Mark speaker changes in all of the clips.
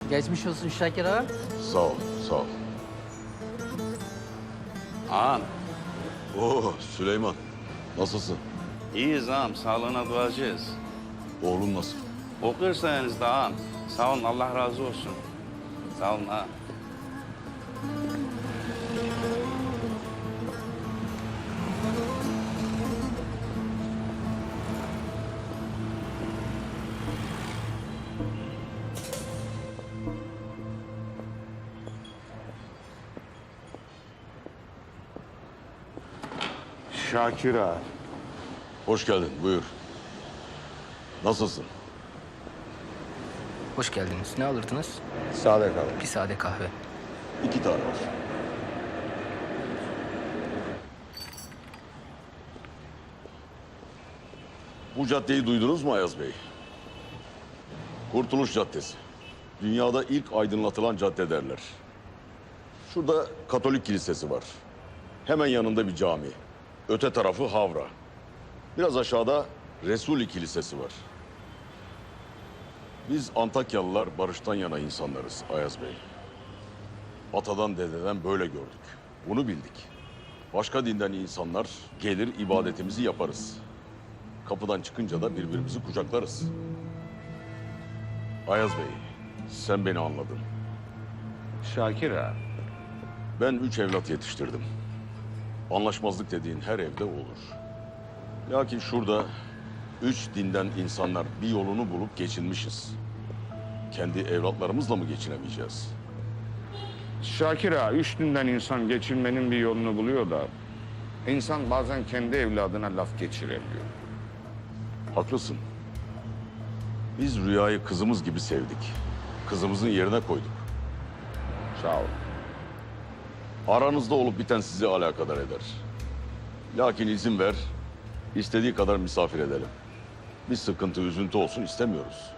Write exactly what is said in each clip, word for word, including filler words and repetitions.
Speaker 1: Geçmiş olsun Şakir ağa.
Speaker 2: Sağ ol, sağ ol.
Speaker 3: Ağam,
Speaker 2: Oo Süleyman, nasılsın?
Speaker 3: iyiyiz ağam. Sağlığına duacıyız.
Speaker 2: Oğlum nasıl?
Speaker 3: Okursanız da ağam. Sağ olun, Allah razı olsun. Sağ olun ağam.
Speaker 4: Şakir ağa.
Speaker 2: Hoş geldin, buyur. Nasılsın?
Speaker 1: Hoş geldiniz. Ne alırdınız?
Speaker 4: Sade kal.
Speaker 1: Bir sade kahve.
Speaker 2: İki tane var. Bu caddeyi duydunuz mu Ayaz Bey? Kurtuluş Caddesi. Dünyada ilk aydınlatılan cadde derler. Şurada Katolik Kilisesi var. Hemen yanında bir cami. Öte tarafı Havra. Biraz aşağıda Resuli Kilisesi var. Biz Antakyalılar barıştan yana insanlarız Ayaz Bey. Atadan dededen böyle gördük. Bunu bildik. Başka dinden insanlar gelir ibadetimizi yaparız. Kapıdan çıkınca da birbirimizi kucaklarız. Ayaz Bey, sen beni anladın.
Speaker 4: Şakir ağa.
Speaker 2: Ben üç evlat yetiştirdim. Anlaşmazlık dediğin her evde olur. Lakin şurada üç dinden insanlar bir yolunu bulup geçinmişiz. Kendi evlatlarımızla mı geçinemeyeceğiz?
Speaker 4: Şakir ağa, üç dinden insan geçinmenin bir yolunu buluyor da... ...insan bazen kendi evladına laf geçiremiyor.
Speaker 2: Haklısın. Biz Rüya'yı kızımız gibi sevdik. Kızımızın yerine koyduk.
Speaker 4: Sağ ol.
Speaker 2: Aranızda olup biten sizi alakadar eder. Lakin izin ver, istediği kadar misafir edelim. Bir sıkıntı, üzüntü olsun istemiyoruz.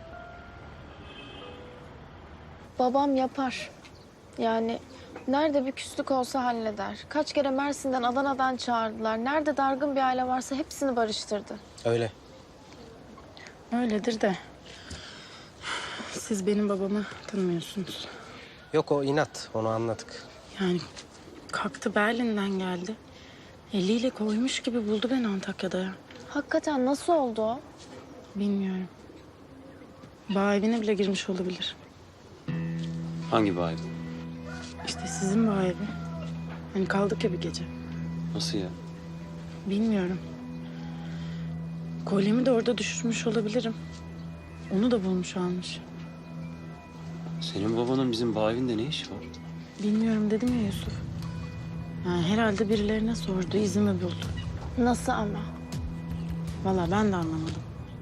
Speaker 5: Babam yapar. Yani nerede bir küslük olsa halleder. Kaç kere Mersin'den, Adana'dan çağırdılar. Nerede dargın bir aile varsa hepsini barıştırdı.
Speaker 6: Öyle.
Speaker 7: Öyledir de siz benim babamı tanımıyorsunuz.
Speaker 6: Yok o inat, onu anladık.
Speaker 7: Yani kalktı Berlin'den geldi. Eliyle koymuş gibi buldu beni Antakya'da ya.
Speaker 5: Hakikaten nasıl oldu o?
Speaker 7: Bilmiyorum. Bağ evine bile girmiş olabilir.
Speaker 8: Hangi bağ evi?
Speaker 7: İşte sizin bağ evi. Hani kaldık ya bir gece.
Speaker 8: Nasıl ya?
Speaker 7: Bilmiyorum. Kolyemi de orada düşürmüş olabilirim. Onu da bulmuş almış.
Speaker 8: Senin babanın bizim bağ evinde ne işi var?
Speaker 7: Bilmiyorum dedim ya Yusuf. Yani herhalde birilerine sordu, izimi buldu.
Speaker 5: Nasıl ama?
Speaker 7: Vallahi ben de anlamadım.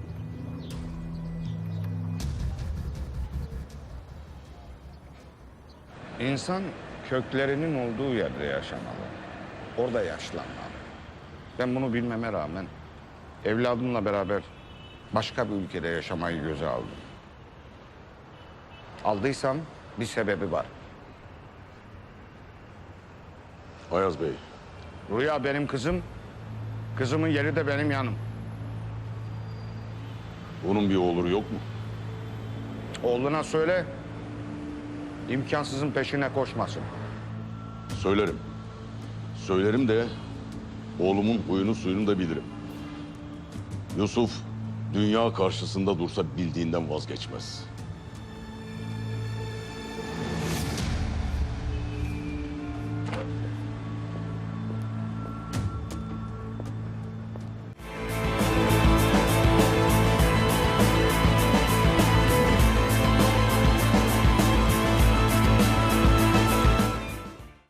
Speaker 4: İnsan köklerinin olduğu yerde yaşamalı. Orada yaşlanmalı. Ben bunu bilmeme rağmen... ...evladımla beraber başka bir ülkede yaşamayı göze aldım. Aldıysam bir sebebi var.
Speaker 2: Ayaz Bey,
Speaker 4: Rüya benim kızım, kızımın yeri de benim yanım.
Speaker 2: bunun bir oluru yok mu?
Speaker 4: Oğluna söyle, imkansızın peşine koşmasın.
Speaker 2: Söylerim. Söylerim de oğlumun huyunu suyunu da bilirim. Yusuf dünya karşısında dursa bildiğinden vazgeçmez.